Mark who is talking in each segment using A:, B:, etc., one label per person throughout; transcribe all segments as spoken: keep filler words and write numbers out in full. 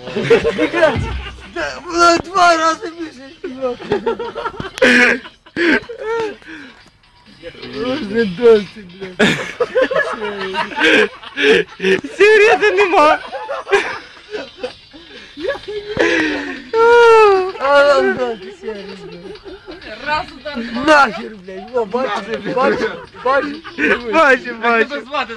A: Воно два рази більше співати. Уже досі, блядь.
B: Сигарети нема.
A: А нам дати сигарети, блядь.
C: Раз удар.
A: Нахер, блядь. Во, бачиш, бачиш, бачиш.
B: Бачу,
D: Як
B: бачу.
D: тебе звати?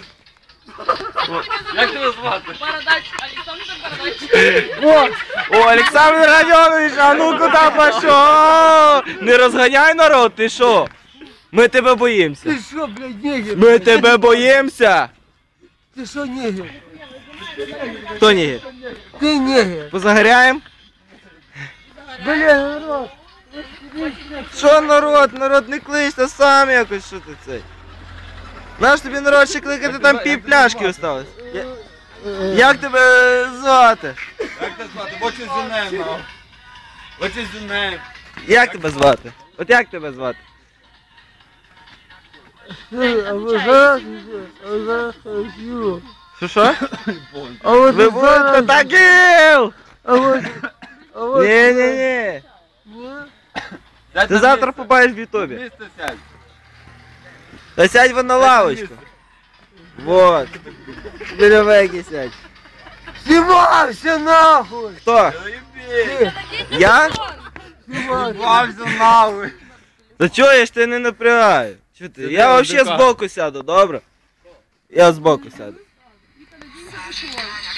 D: Як тебе звати?
C: Бородач, Олександр Бородач.
A: Во,
B: О, Олександр Радьонович, а ну куди пішов? Не розганяй народ, ти що? Ми тебе боїмося.
A: ти що, блядь, нігер?
B: Ми тебе боїмося.
A: Ти що, нігер?
B: Хто ні?
A: Ти нігер.
B: Позагоряємо?
A: Блядь, народ.
B: Що народ? Народ не кличте сам якось, що ти цей? Наш тобі народ ще кликати, там пів пляшки осталось. Я- Як тебе звати?
D: Як тебе звати? What's your name now? What's your name?
B: Як тебе звати? От як тебе звати?
A: А ви зараз, а ви зараз хочу.
B: Що що?
A: А от
B: Ви будете
A: зараз,
B: таким!
A: а от, а от.
B: Ні-ні-ні.
A: Ні?
B: Ти завтра побачиш в ютубі.
D: Місце сядь.
B: Та сядь вон на лавочку. Вот. Біля веки сядь.
A: Знімався нахуй!
B: Хто?
D: Заєбі.
B: Я?
A: Знімався.
D: Бався нахуй.
B: Та чого я ж тебе не напрягаю? Чого ти? Я вообще збоку сяду, добре? Я збоку сяду.